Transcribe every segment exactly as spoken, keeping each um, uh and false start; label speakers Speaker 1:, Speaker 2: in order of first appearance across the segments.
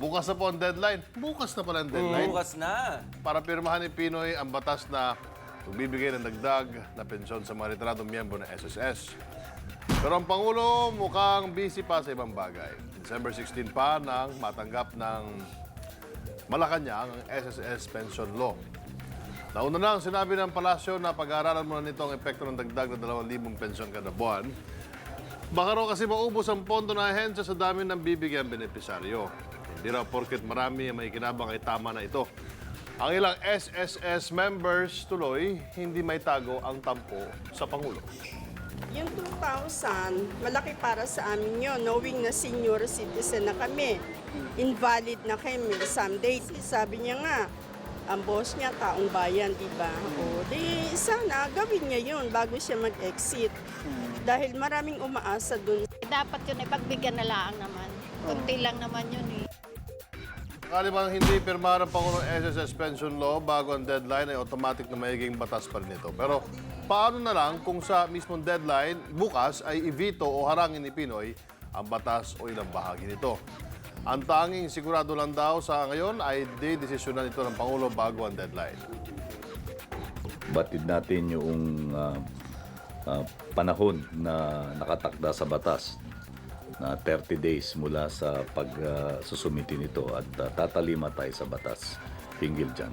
Speaker 1: bukas na po ang deadline. Bukas na pala ang deadline.
Speaker 2: Bukas na.
Speaker 1: Para pirmahan ni Pinoy ang batas na magbibigay ng dagdag na pensyon sa mga retiradong miyembro ng S S S. Pero ang Pangulo mukhang busy pa sa ibang bagay. December sixteen pa nang matanggap ng Malacanang ang S S S Pension Law. Nauna na ang sinabi ng Palasyo na pag-aaralan muna nito ang epekto ng dagdag na dalawang libong pensyon kada buwan. Baka raw kasi maubos ang pondo na ahensya sa dami ng bibigyan benepisaryo. Hindi raw porket marami ang may kinabang ay tama na ito. Ang ilang S S S members tuloy, hindi may tago ang tampo sa Pangulo.
Speaker 3: Yung two thousand, malaki para sa amin yun, knowing na senior citizen na kami. Invalid na kami someday. Sabi niya nga, ang boss niya, taong bayan, di ba? O, di sana gawin niya yun bago siya mag-exit. Dahil maraming umaasa dun.
Speaker 4: Dapat yun ay pagbigyan na lang naman. Kunti lang naman yun eh.
Speaker 1: Sakali bang hindi pirma ng Pangulo S S S Pension Law bago ang deadline ay automatic na magiging batas pa rin ito. Pero paano na lang kung sa mismong deadline bukas ay i-veto o harangin ni Pinoy ang batas o ilang bahagi nito? Ang tanging sigurado lang daw sa ngayon ay de-desisyonan ito ng Pangulo bago ang deadline.
Speaker 5: Batid natin yung ah, ah, panahon na nakatakda sa batas na thirty days mula sa pag-susumiti nito at ah, tatalima tayo sa batas hinggil dyan.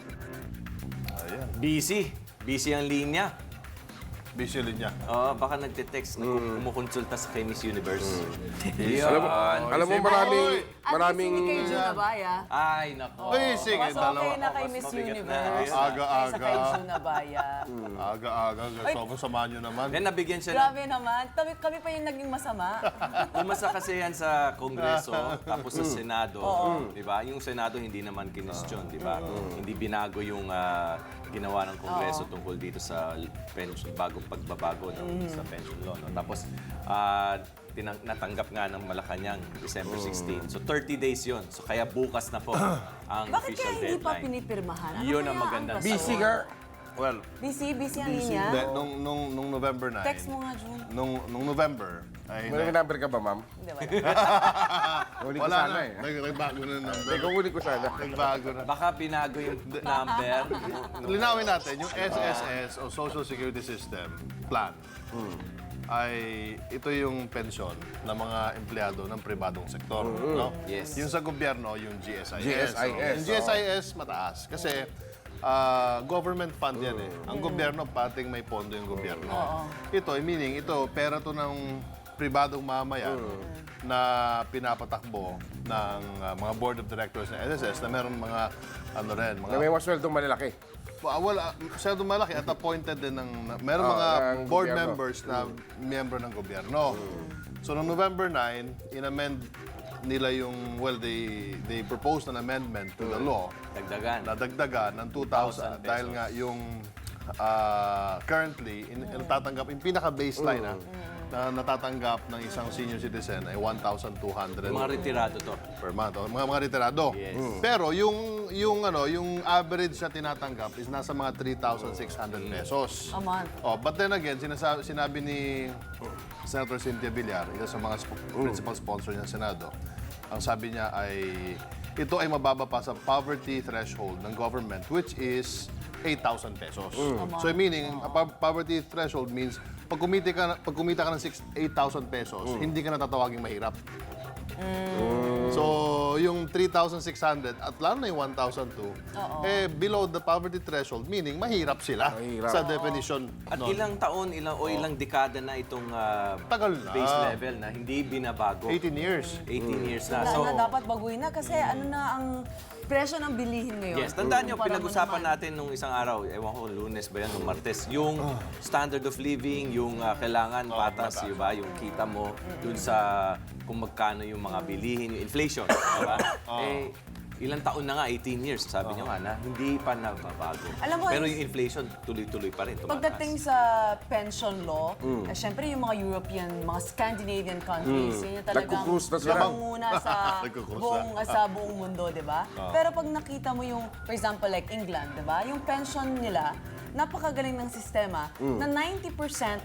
Speaker 2: Busy. Busy ang linya.
Speaker 1: Busy rin niya.
Speaker 2: Oo, baka nagte-text, mm. kumukonsulta sa kay Miss Universe.
Speaker 6: Alam mo, alam mo maraming, maraming...
Speaker 7: At least hindi kay Junabaya.
Speaker 2: Ay, nako.
Speaker 1: Ay, sige,
Speaker 7: Mas okay
Speaker 1: dalawa.
Speaker 7: na kay
Speaker 2: Mas
Speaker 7: Miss
Speaker 2: mabigat na.
Speaker 7: Universe.
Speaker 2: Ayun.
Speaker 1: Aga-aga.
Speaker 7: Kaysa kay Junabaya.
Speaker 1: Aga-aga. Sobrang sama nyo naman.
Speaker 2: Then nabigyan siya ng...
Speaker 7: Grabe naman. Kami, kami pa yung naging masama.
Speaker 2: Umasa kasi yan sa Kongreso, tapos sa Senado. Di ba? Yung Senado hindi naman kinestyon, di ba? Hindi binago yung ah, ginawa ng Kongreso tungkol dito sa pension, bagong pagbabago ng, sa pension law. No? Tapos, ah, tinang, natanggap nga ng Malacanang December sixteen. So, thirty days yon. So, kaya bukas na po ang
Speaker 7: Bakit
Speaker 2: official
Speaker 7: kaya hindi pa
Speaker 2: deadline.
Speaker 7: pinipirmahan? Ano
Speaker 2: Yun
Speaker 7: kaya
Speaker 2: ang magandang
Speaker 7: rason?
Speaker 6: Busy ka.
Speaker 1: Well,
Speaker 7: Busy? Busy ang linya?
Speaker 1: hindi, nung, nung, nung November nine,
Speaker 7: Text mo nga, June.
Speaker 1: nung, nung November, ay...
Speaker 6: May number ka ba, ma'am?
Speaker 7: Hindi, wala.
Speaker 6: Huli ko
Speaker 1: Wala
Speaker 6: sana
Speaker 1: na.
Speaker 6: eh.
Speaker 1: Nag- Nagbago na ng number.
Speaker 6: Ikaw huli ko sana.
Speaker 1: Nagbago na.
Speaker 2: Baka binago yung number.
Speaker 1: Linawin natin, yung S S S o Social Security System plan ay ito yung pensyon ng mga empleyado ng pribadong sektor. No?
Speaker 2: Yes.
Speaker 1: Yung sa gobyerno, yung G S I S.
Speaker 6: G S I S,
Speaker 1: Yung G S I S, mataas. Kasi ah, government fund yan eh. Ang gobyerno, pating may pondo yung gobyerno. Ito, meaning, ito, pera to ng pribadong mamayan na pinapatakbo ng ah, mga board of directors ng S S S na meron mga, ano rin, mga
Speaker 6: Na may wasweldong malalaki.
Speaker 1: Ah, wala, masyadong malaki at appointed din ng, na- meron
Speaker 6: Ah,
Speaker 1: mga
Speaker 6: ng
Speaker 1: board
Speaker 6: gobyerno.
Speaker 1: members na miyembro ng gobyerno. So, noong November nine, in-amend nila yung, well, they, they proposed an amendment to the law
Speaker 2: Dagdagan.
Speaker 1: na dagdagan ng two thousand
Speaker 2: pesos.
Speaker 1: dahil nga yung ah, currently, in, in, natatanggap, yung pinaka-baseline ah, na natatanggap ng isang senior citizen ay one thousand two hundred
Speaker 2: Mga retirado to.
Speaker 1: per month. O, mga mga retirado.
Speaker 2: Yes.
Speaker 1: Mm. Pero yung yung ano, yung average na tinatanggap is nasa mga three thousand six hundred pesos.
Speaker 7: A month.
Speaker 1: Oh, but then again, sinasabi, sinabi ni Senator Cynthia Villar, isa sa mga sp- principal sponsor niya sa Senado, ang sabi niya ay ito ay mababa pa sa poverty threshold ng government, which is eight thousand pesos. So meaning, a po- poverty threshold means pag kumita ka, na- pag kumita ka ng eight thousand pesos, hindi ka natatawaging mahirap. So, yung three thousand six hundred at lalo na yung one thousand two, eh, below the poverty threshold, meaning mahirap sila
Speaker 6: Mahirap.
Speaker 1: sa definition.
Speaker 2: At
Speaker 1: nun.
Speaker 2: ilang taon, ilang o ilang dekada na itong ah,
Speaker 1: Tagal na.
Speaker 2: base level na hindi binabago.
Speaker 1: eighteen years.
Speaker 2: eighteen years na.
Speaker 7: Na,
Speaker 2: So,
Speaker 7: na dapat baguhin na kasi ano na ang presyo ng bilihin ngayon.
Speaker 2: yes, tandaan nyo,
Speaker 7: Kumpara mo
Speaker 2: pinag-usapan
Speaker 7: naman.
Speaker 2: natin nung isang araw, ewan ko, lunes ba yan, nung martes, yung standard of living, yung ah, kailangan patas, di ba? Yung kita mo, dun sa kung magkano yung mga bilihin, yung inflation, di ba? Eh, ilang taon na nga, eighteen years, sabi nyo nga na, hindi pa nababago.
Speaker 7: Alam mo,
Speaker 2: Pero yung inflation, tuloy-tuloy pa rin, tumataas.
Speaker 7: Pagdating sa pension law, eh, syempre yung mga European, mga Scandinavian countries, yun yung talagang
Speaker 6: Nagkukrus na sila.
Speaker 7: nangunguna sa
Speaker 1: Nagkukrus na.
Speaker 7: buong, sa buong mundo, di ba? Pero pag nakita mo yung, for example, like England, di ba? Yung pension nila, napakagaling ng sistema na ninety percent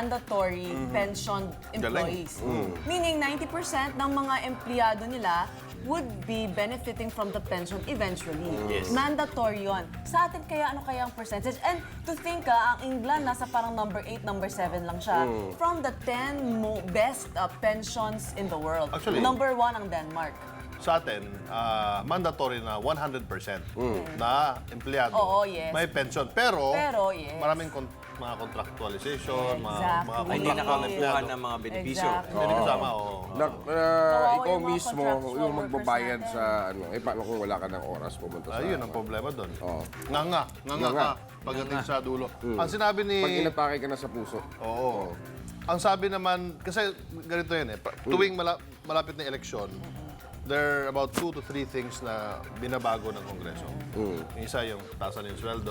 Speaker 7: mandatory pension employees. Meaning ninety percent ng mga empleyado nila would be benefiting from the pension eventually.
Speaker 2: Yes.
Speaker 7: Mandatory yun. Sa atin kaya ano kaya ang percentage? And to think ah, ang England nasa parang number eight, number seven lang siya from the ten mo best ah, pensions in the world.
Speaker 1: Actually-
Speaker 7: number one ang Denmark.
Speaker 1: Sa atin, ah, mandatory na one hundred percent na empleyado
Speaker 7: Oo, yes.
Speaker 1: may pension. Pero,
Speaker 7: Pero, yes.
Speaker 1: maraming kon- mga contractualization, mga,
Speaker 7: Exactly.
Speaker 1: mga
Speaker 2: Ay, hindi
Speaker 1: contractual
Speaker 2: nakakuha
Speaker 1: empleyado.
Speaker 2: ng mga benepisyo.
Speaker 7: Exactly.
Speaker 1: Hindi kasama, oo.
Speaker 6: Na, uh,
Speaker 7: Kawawa
Speaker 6: ikaw
Speaker 7: yung mga
Speaker 6: mismo,
Speaker 7: contractual
Speaker 6: yung magbabayad
Speaker 7: workers
Speaker 6: sa ano, eh paano kung wala ka ng oras pumunta sa...
Speaker 1: Ayun ang problema doon.
Speaker 6: Oo.
Speaker 1: Nga nga, nga nga
Speaker 6: Nga
Speaker 1: ka pagdating sa dulo. Ang sinabi ni...
Speaker 6: Pag inatake ka na sa puso.
Speaker 1: Oo. Ang sabi naman, kasi ganito yan eh, pa- tuwing mala- malapit na eleksyon, there are about two to three things na binabago ng Kongreso. Yung isa, yung taasan yung sweldo.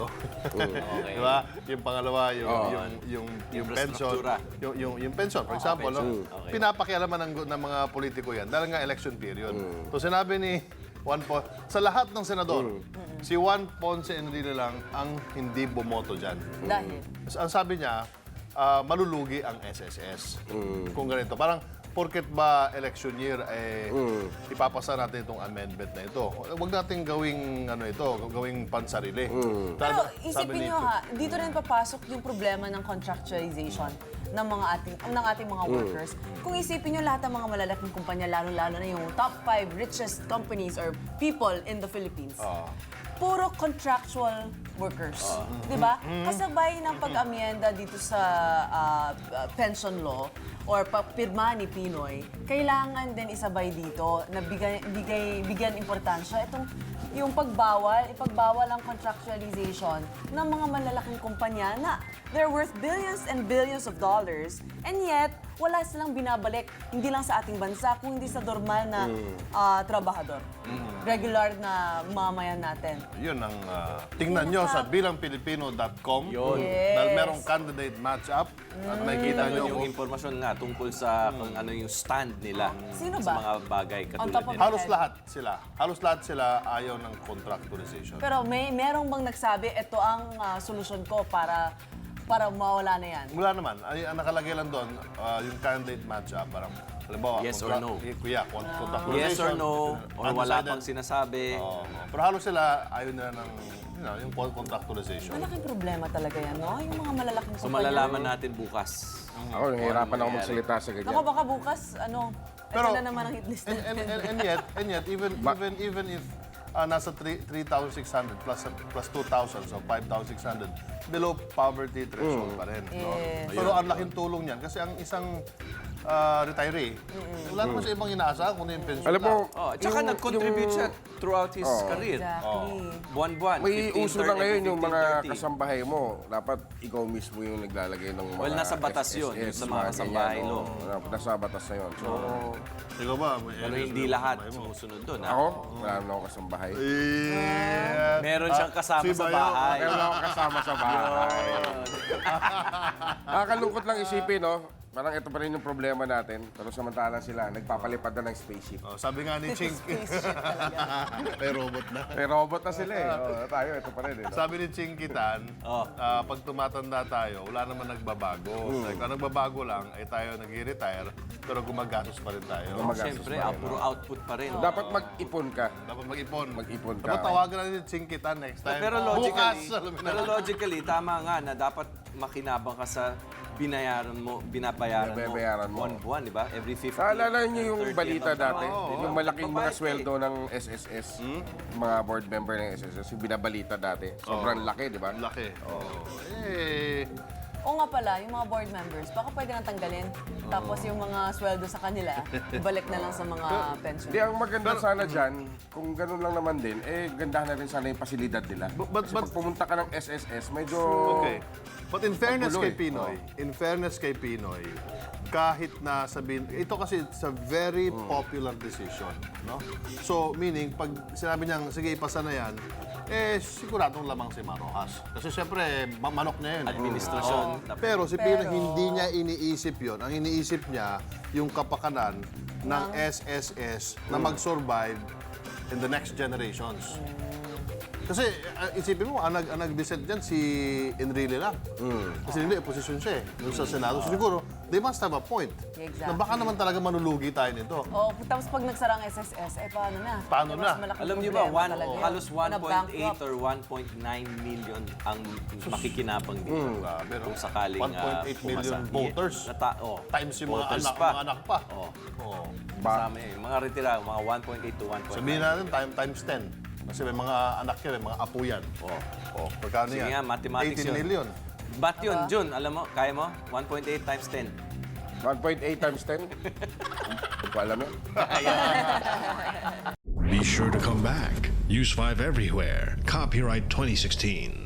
Speaker 1: Di ba? Yung pangalawa, yung, yung, yung, yung pension.
Speaker 2: Infrastruktura.
Speaker 1: Yung, yung, yung pension, for example, no?
Speaker 2: Okay.
Speaker 1: Pinapakialaman ng, ng mga politiko yan dahil nga election period. So sinabi ni Juan Ponce, sa lahat ng senador, si Juan Ponce Enrile lang ang hindi bumoto dyan.
Speaker 7: Dahil?
Speaker 1: Ang sabi niya, ah, malulugi ang S S S. Kung ganito. Parang, porket ba election year, eh, ipapasa natin itong amendment na ito. Huwag natin gawing, ano ito, gawing pansarili.
Speaker 7: Pero
Speaker 1: Sabi
Speaker 7: isipin
Speaker 1: ni-
Speaker 7: nyo ha, dito rin papasok yung problema ng contractualization ng mga ating ng ating mga workers. Kung isipin nyo lahat ng mga malalaking kumpanya, lalo-lalo na yung top five richest companies or people in the Philippines, puro contractual workers. Di ba? Kasabay ng pag-amienda dito sa ah, pension law or pagpirma ni Pinoy, kailangan din isabay dito na bigay, bigay, bigyan importansya itong yung pagbawal, ipagbawal ang contractualization ng mga malalaking kumpanya na they're worth billions and billions of dollars and yet wala silang binabalik, hindi lang sa ating bansa, kung hindi sa normal na ah, trabahador. Regular na mamayan natin.
Speaker 1: Yun ang ah, tingnan nyo sa bilang pilipino dot com.
Speaker 2: Yun.
Speaker 7: Yes.
Speaker 1: Dahil merong candidate match-up at makikita
Speaker 2: Kita
Speaker 1: nyo
Speaker 2: nyo yung
Speaker 1: kung
Speaker 2: impormasyon nga tungkol sa kung ano yung stand nila
Speaker 7: Sino
Speaker 2: sa
Speaker 7: ba?
Speaker 2: mga bagay
Speaker 7: On
Speaker 2: katulad
Speaker 7: top of
Speaker 2: nila.
Speaker 1: halos lahat sila. Halos lahat sila ayaw ng contractualization.
Speaker 7: Pero may merong bang nagsabi, ito ang ah, solusyon ko para para mawala na yan?
Speaker 1: Wala naman. Ay, ang nakalagay lang doon, ah, yung candidate match-up, parang, halimbawa,
Speaker 2: Yes or
Speaker 1: contra-
Speaker 2: no?
Speaker 1: eh, Kuya, con-
Speaker 2: Yes
Speaker 1: contractualization.
Speaker 2: or no, or wala
Speaker 1: undecided.
Speaker 2: pang sinasabi.
Speaker 1: Oo. Pero halos sila, ayaw nila ng, you know, yung con- contractualization.
Speaker 7: Malaking problema talaga yan, no? Yung mga malalaking
Speaker 2: So
Speaker 7: kumpanya.
Speaker 2: malalaman natin bukas.
Speaker 6: Ako, nahihirapan ako magsalita sa ganyan.
Speaker 7: Naku, baka bukas, ano,
Speaker 1: Pero-
Speaker 7: ito na naman ang hit list
Speaker 1: And, and, and, and yet, and yet, even even even if ah, nasa three thousand six hundred plus plus two thousand, so five thousand six hundred, below poverty threshold pa rin. No?
Speaker 7: Yes.
Speaker 1: Pero ang laking tulong niyan kasi ang isang ah, retiree, wala naman sa ibang inaasahan kundi yung pension
Speaker 6: Alam mo,
Speaker 1: lang.
Speaker 2: Oh, at saka
Speaker 6: yung-
Speaker 2: nag-contribute
Speaker 6: yung-
Speaker 2: siya throughout his career.
Speaker 7: Exactly.
Speaker 2: Buwan-buwan.
Speaker 6: May
Speaker 2: fifteen,
Speaker 6: uso
Speaker 2: thirty,
Speaker 6: na ngayon yung
Speaker 2: fifteen,
Speaker 6: mga
Speaker 2: thirty.
Speaker 6: kasambahay mo. Dapat ikaw mismo yung naglalagay ng mga
Speaker 2: Well, nasa batas
Speaker 6: S S S,
Speaker 2: yun, yung sa mga
Speaker 6: ganyan,
Speaker 2: kasambahay
Speaker 6: oo.
Speaker 2: law.
Speaker 6: Ano, Nasa batas na yun. So,
Speaker 1: Ikaw ba? May
Speaker 2: Pero
Speaker 1: areas
Speaker 2: hindi
Speaker 1: na-
Speaker 2: lahat
Speaker 1: may mo?
Speaker 2: sumusunod doon. ha?
Speaker 6: ako, wala naman ako kasambahay.
Speaker 1: Eh,
Speaker 2: Meron siyang kasama
Speaker 1: si
Speaker 2: sa
Speaker 1: Bayo,
Speaker 2: bahay.
Speaker 6: Meron ako kasama sa bahay. Nakakalungkot lang isipin, no? Parang ito pa rin yung problema natin. Pero samantalang sila, nagpapalipad na ng spaceship.
Speaker 1: Oh, sabi nga ni Ching, may robot na.
Speaker 6: May robot na sila eh. Oh, tayo, ito pa rin eh. no?
Speaker 1: Sabi ni Ching Kitan,
Speaker 2: Oh.
Speaker 1: ah, pag tumatanda tayo, wala naman nagbabago. Like, ang nagbabago lang ay tayo nag-retire, pero gumagastos pa rin tayo.
Speaker 6: Gumagastos
Speaker 2: Siyempre,
Speaker 6: pa
Speaker 2: ah,
Speaker 6: rin,
Speaker 2: puro
Speaker 6: no?
Speaker 2: output pa rin.
Speaker 6: Dapat mag-ipon ka.
Speaker 1: Dapat mag-ipon.
Speaker 6: Mag-ipon ka.
Speaker 1: Dapat tawagan natin si Ching Kitan next time.
Speaker 2: Pero
Speaker 1: Bukas,
Speaker 2: logically,
Speaker 1: alam mo na.
Speaker 2: pero logically, tama nga na dapat makinabang ka sa binayaran mo, binabayaran mo
Speaker 6: Binabayaran mo.
Speaker 2: buwan-buwan, di ba? Every fifty.
Speaker 6: Naalala niyo yung balita dati?
Speaker 2: Oo,
Speaker 6: yung malaking mga
Speaker 2: nagbabayad ka eh.
Speaker 6: sweldo ng S S S, mga board member ng S S S, yung binabalita dati. Sobrang laki, di ba?
Speaker 1: Ang laki. Oh. Eh,
Speaker 7: O nga pala, yung mga board members, baka pwede nang tanggalin. Tapos yung mga sweldo sa kanila, ibalik na lang sa mga pension.
Speaker 6: Di, ang maganda sana dyan, kung ganun lang naman din, eh, gandahan na rin sana yung pasilidad nila.
Speaker 1: But- but-
Speaker 6: Kasi
Speaker 1: but-
Speaker 6: pag pumunta ka ng S S S, medyo...
Speaker 1: okay. But in fairness
Speaker 6: Magulo
Speaker 1: kay
Speaker 6: eh.
Speaker 1: Pinoy, in fairness kay Pinoy, kahit na sabihin, ito kasi it's a very popular decision, no? So, meaning, pag sinabi niyang, sige, ipasa na yan, eh, siguradong lamang si Marojas. Kasi siyempre, ma- manok niya yun. eh.
Speaker 2: Administrasyon.
Speaker 1: Oo. Pero si Pinoy,
Speaker 7: Pero-
Speaker 1: hindi niya iniisip yon. Ang iniisip niya, yung kapakanan ng S S S na mag-survive in the next generations. Kasi uh, isipin mo, ang, nag, ang nag-dissent dyan si Enrile lang. Kasi hindi, opposition siya eh. Doon sa Senado. So, siguro, they must have a point.
Speaker 7: Exactly.
Speaker 1: Na baka naman talaga manulugi tayo nito.
Speaker 7: Oh, tapos pag nagsara ang S S S, eh paano na?
Speaker 1: Paano
Speaker 7: Eh,
Speaker 1: na?
Speaker 7: mas malaking
Speaker 2: Alam niyo ba,
Speaker 7: problema
Speaker 2: one,
Speaker 7: talaga yun.
Speaker 2: halos one
Speaker 7: Na
Speaker 2: point eight
Speaker 7: bankrupt.
Speaker 2: or one point nine million ang makikinabang dito.
Speaker 1: Grabe, no?
Speaker 2: Kung sakaling
Speaker 1: one point eight
Speaker 2: ah,
Speaker 1: million
Speaker 2: pumasa.
Speaker 1: voters.
Speaker 2: Yeah, nata- oh,
Speaker 1: Times yung mga
Speaker 2: voters
Speaker 1: anak,
Speaker 2: pa.
Speaker 1: mga anak pa.
Speaker 2: Oh,
Speaker 1: Oh.
Speaker 2: kasama eh. Mga retira, mga one point eight to one point nine.
Speaker 1: Sabihin natin, time, times ten. Kasi may mga anak yan, may mga apo yan.
Speaker 2: Oh.
Speaker 1: Oh, pagkano
Speaker 2: Sige
Speaker 1: yan?
Speaker 2: nga, mathematics
Speaker 1: eighteen
Speaker 2: yun.
Speaker 1: million.
Speaker 2: Ba't yun, Jun? Alam mo, kaya mo? one point eight times ten.
Speaker 6: one point eight times ten? Hindi ko alam yun.
Speaker 8: Be sure to come back. Use five everywhere. Copyright twenty sixteen.